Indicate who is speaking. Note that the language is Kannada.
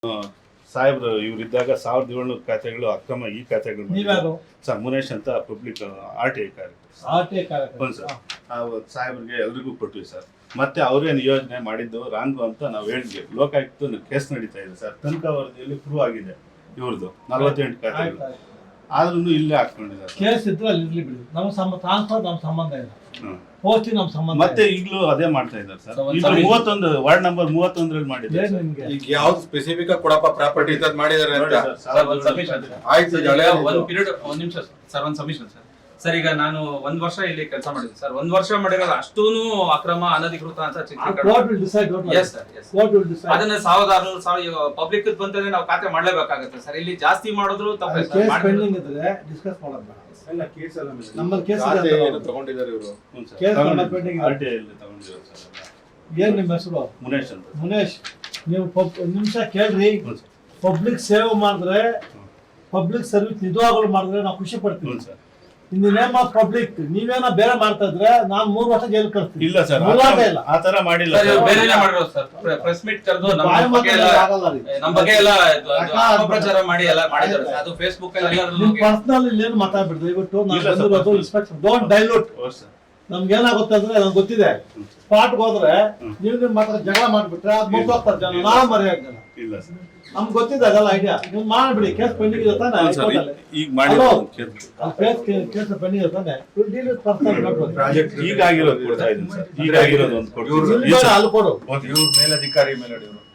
Speaker 1: ಸಾಹೇಬ್ರು ಇವರಿದ್ದಾಗ 1700 ಖಾತೆಗಳು ಅಕ್ರಮ ಈ ಖಾತೆಗಳು
Speaker 2: ನೀವ್ಯಾರು?
Speaker 1: ಸರ್ ಮುನೇಶ್ ಅಂತ ಪಬ್ಲಿಕ್ RTI ಕಾರ್ಯಕ್ರಮ ಸರ್. ನಾವು ಸಾಹೇಬ್ರಿಗೆ ಎಲ್ರಿಗೂ ಕೊಟ್ವಿ ಸರ್. ಮತ್ತೆ ಅವ್ರೇನು ಯೋಜನೆ ಮಾಡಿದ್ದು ರಾಂಗು ಅಂತ ನಾವು ಹೇಳಿದ್ವಿ. ಲೋಕಾಯುಕ್ತ ಕೇಸ್ ನಡೀತಾ ಇದೆ ಸರ್. ತನಿಖಾ ವರದಿಯಲ್ಲಿ ಪ್ರೂವ್ ಆಗಿದೆ ಇವ್ರದ್ದು 48 ಖಾತೆಗಳು. ಆದ್ರೂ ಇಲ್ಲೇ ಹಾಕೊಂಡಿದ್ದಾರೆ.
Speaker 2: ಕೇಸ್ ಇದ್ರೆ ಅಲ್ಲಿ ಇರ್ಲಿ ಬಿಡಿ, ನಮ್ಮ ಟ್ರಾನ್ಸ್ಫರ್ ನಮ್ಮ ಸಂಬಂಧ ಇಲ್ಲ, ಪೋಸ್ಟಿಂಗ್ ನಮ್ಮ ಸಂಬಂಧ.
Speaker 1: ಮತ್ತೆ ಈಗಲೂ ಅದೇ ಮಾಡ್ತಾ ಇದ್ದಾರೆ ಸರ್. ಈಗ 31 ವಾರ್ಡ್ ನಂಬರ್ 31ರಲ್ಲಿ ಮಾಡಿದ್ದಾರೆ.
Speaker 3: ಈಗ ಯಾವ್ದು ಸ್ಪೆಸಿಫಿಕ್ ಆಗಿ ಕೊಡಪ್ಪ ಪ್ರಾಪರ್ಟಿ ಅಂತ ಮಾಡಿದ್ದಾರೆ ಅಂತ ಆಯ್ತು.
Speaker 4: ಒಂದು ಪೀರಿಯಡ್ ಒಂದ್ ನಿಮಿಷ ಸರ್, ಒಂದು ಸಬ್ಮಿಷನ್ ಸರ್. ಈಗ ನಾನು 1 ವರ್ಷ ಇಲ್ಲಿ ಕೆಲಸ ಮಾಡಿದ್ದೆ ಸರ್. 1 ವರ್ಷ ಮಾಡಿರೋದು ಅಷ್ಟೂನು ಅಕ್ರಮ ಅನಧಿಕೃತ ಅಂತ ಅದನ್ನ 1600 ಪಬ್ಲಿಕ್ ಬಂತಂದ್ರೆ ನಾವು ಖಾತೆ ಮಾಡ್ಲೇಬೇಕಾಗತ್ತೆ ಸರ್. ಇಲ್ಲಿ ಜಾಸ್ತಿ ಮಾಡಿದ್ರು ತಪ್ಪೇ ಸರ್.
Speaker 3: ತಗೊಂಡಿದ್ದಾರೆ ಇವರು.
Speaker 2: ಏನ್ ನಿಮ್ಮ ಹೆಸರು?
Speaker 1: ಮುನೇಶ್ ಅಂತ.
Speaker 2: ಮುನೇಶ್, ನೀವು ನಿಮಿಷ ಕೇಳ್ರಿ. ಪಬ್ಲಿಕ್ ಸೇವೆ ಮಾಡಿದ್ರೆ, ಪಬ್ಲಿಕ್ ಸರ್ವಿಸ್ ನಿಜವಾಗ್ಲೂ ಮಾಡಿದ್ರೆ ನಾವು ಖುಷಿ ಪಡ್ತೀವಿ sir. In the name of public ನೀವೇನ ಬೇರೆ ಮಾಡ್ತಾ ಇದ್ರೆ ನಾನು 3 ವರ್ಷ ಜೈಲ್ ಕಳಿಸ್ತೀನಿ.
Speaker 1: ಇಲ್ಲ ಸರ್, ಆ ತರ ಮಾಡಿಲ್ಲ.
Speaker 4: ಬೇರೆನೇ ಮಾಡಿರೋದು ಸರ್. ಪ್ರೆಸ್ ಮೀಟ್ ಕರೆದು ನಮ್ಮ ಬಗ್ಗೆ ಎಲ್ಲ ಅಪಪ್ರಚಾರ ಮಾಡಿ ಎಲ್ಲ ಮಾಡಿದ್ದಾರೆ ಸರ್. ಅದು ಫೇಸ್ಬುಕ್ ಅಲ್ಲಿ ಎಲ್ಲರೂ
Speaker 2: ಪರ್ಸನಲ್ ಇಲ್ಲಿ ಏನು ಮಾತಾಡ್ಬಿಡ್ರಿ. ದಯವಿಟ್ಟು ನಾನು ಬಂದಿರೋದು ಇನ್ಸ್ಪೆಕ್ಷನ್. Don't dilute. ನಮ್ಗೆ ಏನಾಗುತ್ತೆ ಅಂದ್ರೆ ನಂಗೆ ಗೊತ್ತಿದೆ, ಸ್ಪಾಟ್ ಹೋದ್ರೆ ನೀವು ಮಾತ್ರ ಜಗಳ ಮಾಡ್ಬಿಟ್ರೆ ಅದು ಮುಗ್ದೋಗ್ತಾರೆ ಜನ. ನಾವು ಮರೆಯಾಗ ಜನ
Speaker 1: ಇಲ್ಲ ಸರ್,
Speaker 2: ನಮ್ಗೆ ಗೊತ್ತಿದೆ ಅದೆಲ್ಲ ಐಡಿಯಾ. ನೀವು ಮಾಡ್ಬಿಡಿ. ಕೇಸ್ ಪೆಂಡಿಂಗ್ ಇದೆ ತಾನೆ?
Speaker 1: ಈಗ ಮಾಡಿರೋ
Speaker 2: ಕೇಸ್ ಪೆಂಡಿಂಗ್ ಇದೆ ತಾನೆ? ಡೀಲ್ ವಿತ್ ಪರ್ಸನಲ್
Speaker 3: ಪ್ರಾಜೆಕ್ಟ್
Speaker 1: ಈಗ ಆಗಿರೋದು ಕೊಡ್ತಾ ಇದ್ದೀನಿ ಸರ್. ಈಗ ಆಗಿರೋದು ಒಂದು ಕೊಡ್ತೀನಿ.
Speaker 2: ಅಲ್ಲಿ ಕೊಡು.
Speaker 3: ಇವ್ರ ಮೇಲಧಿಕಾರಿ ಮೇಲೆ